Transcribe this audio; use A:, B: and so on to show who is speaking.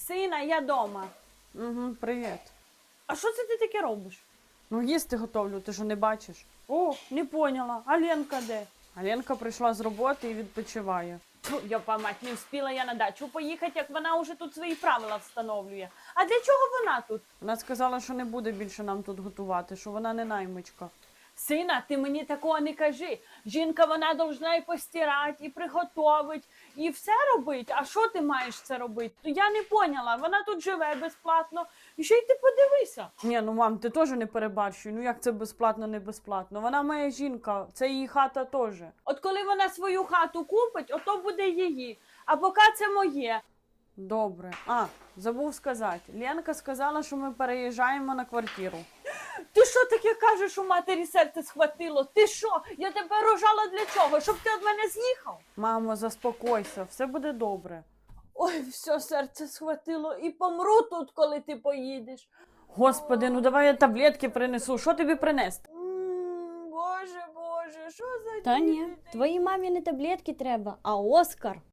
A: Сина, я дома.
B: Угу, привіт.
A: А що це ти таке робиш?
B: Ну, їсти готовлю, ти ж не бачиш.
A: О, не поняла. А Ленка де?
B: А Ленка прийшла з роботи і відпочиває.
A: Фу, йопа мать, не встигла я на дачу поїхати, як вона вже тут свої правила встановлює. А для чого вона тут?
B: Вона сказала, що не буде більше нам тут готувати, що вона не наймичка.
A: Сина, ти мені такого не кажи. Жінка, вона должна і постирати, і приготовити, і все робити. А що ти маєш це робити? Я не поняла. Вона тут живе безплатно. І ще й ти подивися.
B: Ні, ну мам, ти теж не перебарщуй. Ну як це безплатно, не безплатно? Вона моя жінка, це її хата теж.
A: От коли вона свою хату купить, ото буде її. А поки це моє.
B: Добре. А, забув сказати. Ленка сказала, що ми переїжджаємо на квартиру.
A: Ти що таке кажеш, у матері серце схватило? Ти що? Я тебе рожала для чого? Щоб ти від мене з'їхав?
B: Мамо, заспокойся, все буде добре.
A: Ой, все серце схватило і помру тут, коли ти поїдеш.
B: Господи, ну давай я таблетки принесу. Що тобі принести?
A: Боже, Боже, що за
C: Та ні,
A: діти?
C: твоїй мамі не таблетки треба, а Оскар.